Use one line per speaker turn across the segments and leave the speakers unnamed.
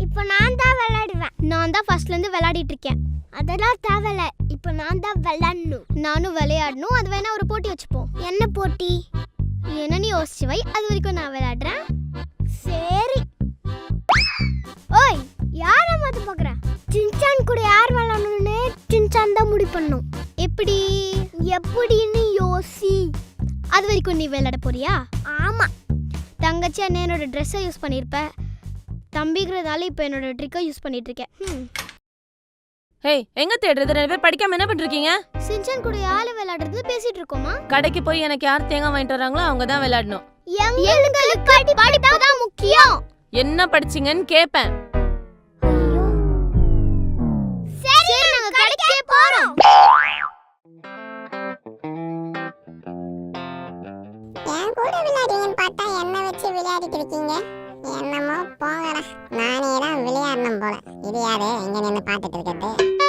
இப்போ நான் தான் விளையாடுவேன். நான் தான் ஃபர்ஸ்ட்ல இருந்து விளையாடிட்டு இருக்கேன். அதெல்லாம் தேவையில்ல, இப்போ நான் தான் விளையாடணும். நானும் விளையாடணும். அது வேணா ஒரு போட்டி வச்சுப்போம். என்ன போட்டி? என்ன நீ யோசிச்சு வை, அது வரைக்கும் நான் விளையாடுறேன். சரி. ஓய், யார மாத்த பாக்குற? சின்சான் கூட யார் விளையாடணும்னு சின்சான் தான் முடிவு பண்ணணும். எப்படின்னு யோசி. அது வரைக்கும் நீ விளையாட போறியா? ஆமா. தங்கச்சி என்னோட ட்ரெஸ்ஸை யூஸ் பண்ணியிருப்ப. தம்பிங்கிறதால இப்போ என்னோட ட்ரிக்கை யூஸ் பண்ணிட்டு இருக்கேன்.
ஹேய், எங்க தேடுறது? ரெண்டு பேர் படிக்காம என்ன பண்றீங்க?
சின்சான் கூட யாரு விளையாடுறது பேசிட்டு இருக்கோமா?
கடைக்கு போய் எனக்கு யார் தேங்காய் வாங்கிட்டு வராங்களோ அவங்க தான் விளையாடணும்.
எங்களுக்கு படிப்பு தான் முக்கியம்.
என்ன படிச்சீங்கன்னு கேப்பேன்.
சரி, நாங்க கடைக்கே போறோம்.
என் கூட விளையாடுறீங்கன்னு பார்த்தா என்ன வச்சு விளையாடிட்டு இருக்கீங்க. என்னமோ போங்கடா, நானே தான் விளையாடணும் போல. இது யாரு எங்க நின்று பார்த்துட்டு இருக்கிறது?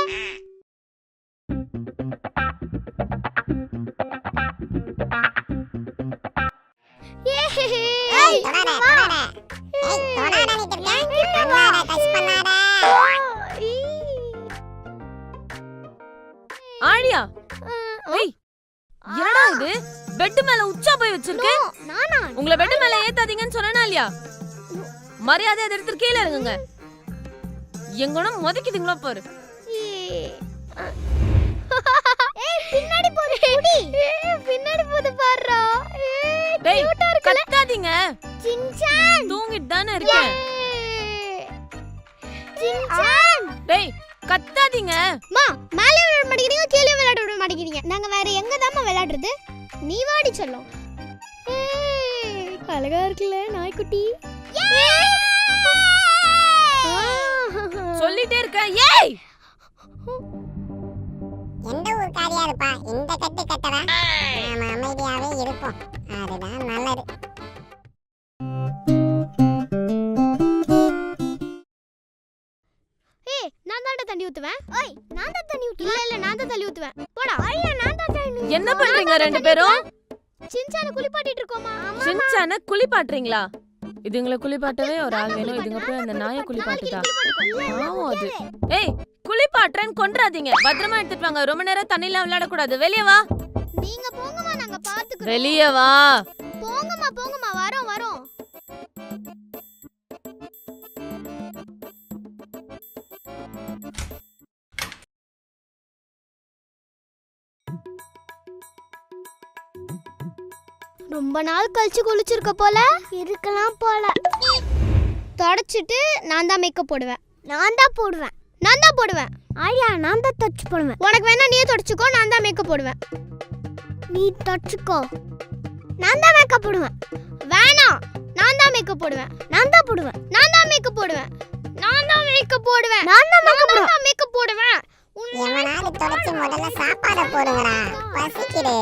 ஆழியா, ஏய் என்னடா இது? பெட் மேல உச்சா போய் வச்சிருக்க.
நானா?
உங்களை பெட் மேல ஏத்தாதீங்கன்னு சொன்னேனா இல்லையா? மரியாதை அதை எடுத்து கீழே இறங்குங்க. எங்கன மொதக்கிட்டீங்களா பாரு.
பின்னாடி போடு குடி. பின்னாடி போடு பாருடா.
டேய் கத்தாதீங்க.
சின்சான்
தூங்கிட்டு தானே இருக்கேன்.
சின்சான்
டேய் கத்தாதீங்க.
மா, மேலே விளையாட மாட்டேங்கிறீங்க, கீழே விளையாட விட மாட்டேங்கிறீங்க. நாங்க வேற எங்க தாமா விளையாடுறது? நீ வாடி சொல்லும். அழகா இருக்குல்ல நாய்க்குட்டி.
சொல்லிட்டே இருக்க. ஏய்,
எந்த ஊர் காரியா இருப்பா இந்த கட்டு கட்டவா? நாம அமைதியாவே இருப்போம், அதுதான் நல்லது.
ஏய், நான் தான் தண்ணி ஊத்துவேன். ஓய், நான் தான் தண்ணி ஊத்துவேன். இல்ல நான் தான் தண்ணி ஊத்துவேன். போடா. ஐயா, நான் தான் தண்ணி.
என்ன பண்றீங்க ரெண்டு பேரும்?
சின்சான குளிப்பாட்டிட்டு இருக்கோமா?
சின்சான குளிப்பாட்டுறீங்களா? இதுங்களை குளிப்பாட்டவே ஒரு ஆள் வேணும். இதுங்க போய் அந்த நாயை குளிப்பாட்டுதா? ஆவும் அது. ஏய், குளிப்பாட்டுறேன்னு கொன்றாதீங்க. பத்திரமா எடுத்துட்டு வாங்க. ரொம்ப நேரம் தண்ணில விளையாட கூடாது. வெளியே வா.
நீங்க போங்கமா, நாங்க பாத்துக்கிறோம்.
வெளியே வா.
போங்கமா போங்கமா, வரோம் வரோம். ரொம்ப நாள் கழிச்சு குளிச்சிருக்க போல. இருக்கலாம் போல. தொடச்சிட்டு நான் தான் மேக்கப் போடுவேன். நான் தான் போடுவேன். ஆயா, நான் தான் தொடச்சு போடுவேன். உனக்கு வேணா நீயே தொடச்சுக்கோ, நான் தான் மேக்கப் போடுவேன். நீ தொடச்சுக்கோ, நான் தான் மேக்கப் போடுவேன். வேணாம், நான் தான் மேக்கப் போடுவேன். நான் தான் மேக்கப் போடுவேன்.
எவனாவது தொடச்சு முதல்ல சாப்பாட போடுங்கடா, பசிக்குது.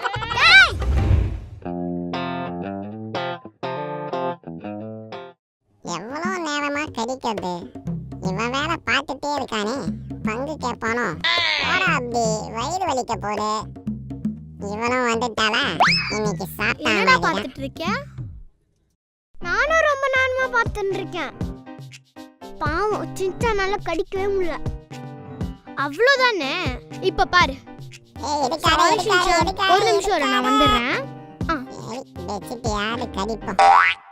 எவ்வளவு நேரமா கடிக்கிறது? இவன் வேலை பார்த்துட்டே இருக்கானே, பங்கு கேட்பானோ? போடா அப்படி, வயிறு வலிக்க போடு. இவனும் வந்துட்டாளா? இன்னைக்கு
என்னடா
சாப்பிட்டா
பார்த்துட்டு இருக்க? நானும் ரொம்ப நேரமா பார்த்துட்டு இருக்கேன். பாவம், சின்சானால கடிக்கவே முடியல. அவ்வளவுதானே. இப்ப பாரு. ஒரு நிமிஷம் நான் வந்துடுறேன்.
யாரு கடிப்போம்.